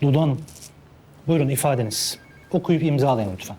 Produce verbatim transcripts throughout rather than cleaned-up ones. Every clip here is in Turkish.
Dudu Hanım, buyurun ifadeniz. Okuyup imzalayın lütfen.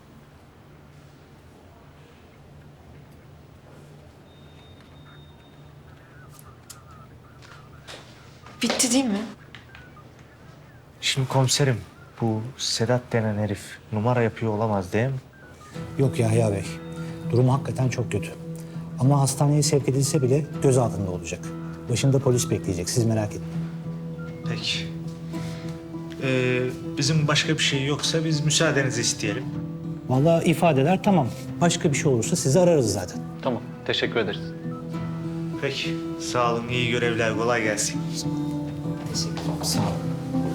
Bitti değil mi? Şimdi komiserim, bu Sedat denen herif numara yapıyor olamaz değil mi? Yok Yahya Bey, durumu hakikaten çok kötü. Ama hastaneye sevk edilse bile gözaltında olacak. Başında polis bekleyecek, siz merak etmeyin. Peki. Ee, bizim başka bir şey yoksa biz müsaadenizi isteyelim. Vallahi ifadeler tamam. Başka bir şey olursa sizi ararız zaten. Tamam, teşekkür ederiz. Peki, sağ olun, iyi görevler, kolay gelsin. Sağ olun.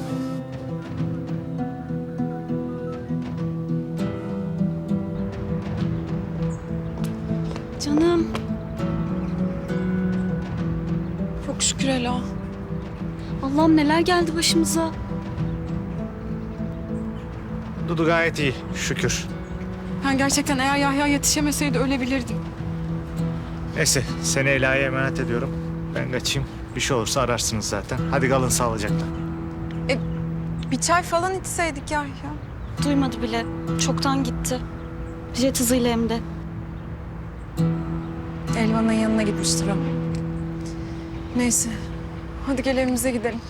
Canım. Çok şükür Ela. Allah'ım neler geldi başımıza. Dudu gayet iyi, şükür. Ben gerçekten eğer Yahya yetişemeseydi ölebilirdim. Neyse, seni Ela'ya emanet ediyorum. Ben kaçayım, bir şey olursa ararsınız zaten. Hadi kalın sağlıcakla. Bir çay falan içseydik Yahya. Duymadı bile. Çoktan gitti. Jet hızıyla hem de. Elvan'ın yanına gitmiştir ama. Neyse. Hadi gel evimize gidelim.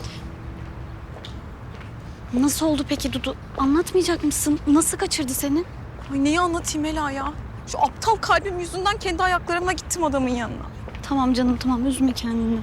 Nasıl oldu peki Dudu? Anlatmayacak mısın? Nasıl kaçırdı seni? Ay neyi anlatayım Ela ya? Şu aptal kalbim yüzünden kendi ayaklarımla gittim adamın yanına. Tamam canım tamam üzme kendini.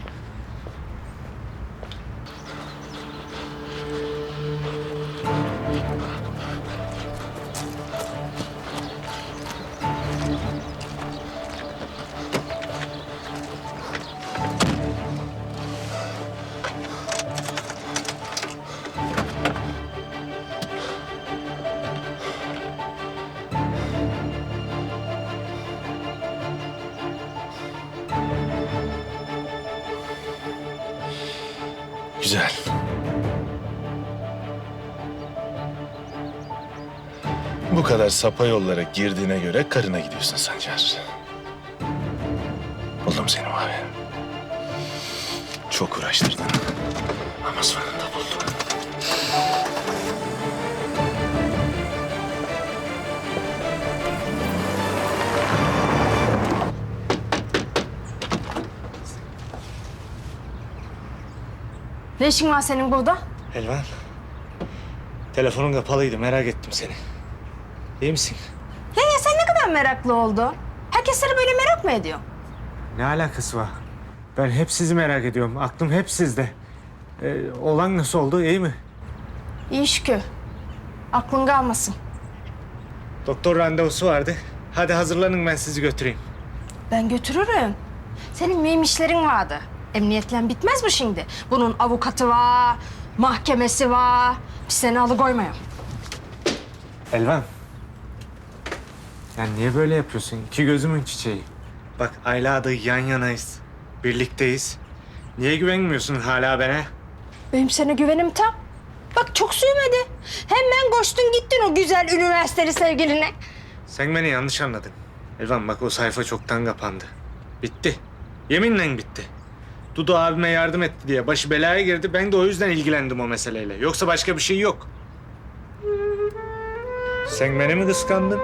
Güzel. Bu kadar sapa yollara girdiğine göre karına gidiyorsun Sancar. Buldum seni abi. Çok uğraştırdın. Ama sonunda buldum. Ne işin var senin burada? Elvan, telefonun kapalıydı, merak ettim seni. İyi misin? Ya, ya sen ne kadar meraklı oldun? Herkes seni böyle merak mı ediyor? Ne alakası var? Ben hep sizi merak ediyorum, aklım hep sizde. Ee, olan nasıl oldu, iyi mi? İyi şükür. Aklın kalmasın. Doktor randevusu vardı. Hadi hazırlanın, ben sizi götüreyim. Ben götürürüm. Senin mühim işlerin vardı. Emniyetle bitmez bu şimdi. Bunun avukatı var, mahkemesi var. Biz seni alıkoymayalım. Elvan. Ya niye böyle yapıyorsun? İki gözümün çiçeği. Bak Ayla'da yan yanayız. Birlikteyiz. Niye güvenmiyorsun hala bana? Benim sana güvenim tam. Bak çok sürmedi. Hemen koştun gittin o güzel üniversiteli sevgiline. Sen beni yanlış anladın. Elvan bak o sayfa çoktan kapandı. Bitti. Yeminle bitti. Dudu abime yardım etti diye başı belaya girdi. Ben de o yüzden ilgilendim o meseleyle. Yoksa başka bir şey yok. Sen beni mi kıskandın?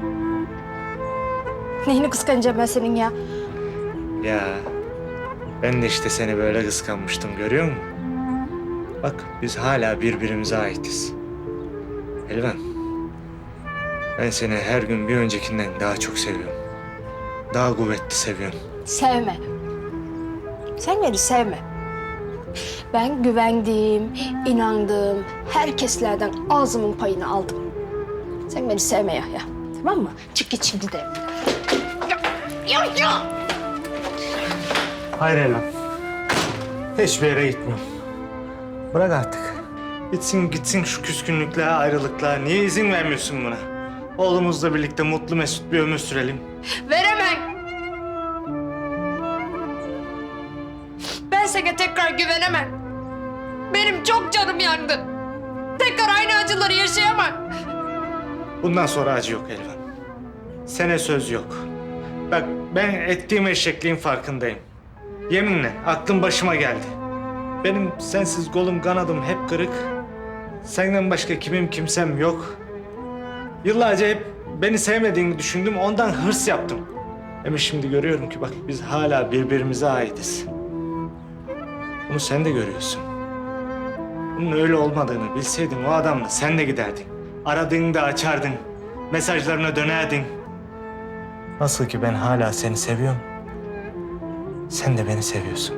Neyini kıskanacağım ben senin ya? Ya ben de işte seni böyle kıskanmıştım, görüyor musun? Bak biz hala birbirimize aitiz. Elvan, ben seni her gün bir öncekinden daha çok seviyorum. Daha kuvvetli seviyorum. Sevme. Sen beni sevme. Ben güvendiğim, inandığım herkeslerden ağzımın payını aldım. Sen beni sevme Yahya. Tamam mı? Çık git şimdi de. Yok yok. Hayır Elvan. Hiçbir yere gitmiyorum. Bırak artık. Bitsin gitsin şu küskünlükler, ayrılıklar. Niye izin vermiyorsun buna? Oğlumuzla birlikte mutlu mesut bir ömür sürelim. Veremem. Ben sana tekrar güvenemem. Benim çok canım yandı. Tekrar aynı acıları yaşayamam. Bundan sonra acı yok Elvan. Sene söz yok. Bak ben ettiğim eşekliğin farkındayım. Yeminle aklım başıma geldi. Benim sensiz kolum kanadım hep kırık. Senden başka kimim kimsem yok. Yıllarca hep beni sevmediğini düşündüm, ondan hırs yaptım. Ama şimdi görüyorum ki bak biz hala birbirimize aitiz. Bunu sen de görüyorsun. Bunun öyle olmadığını bilseydin o adamla sen de giderdin. Aradığında açardın, mesajlarına dönerdin. Nasıl ki ben hala seni seviyorum, sen de beni seviyorsun.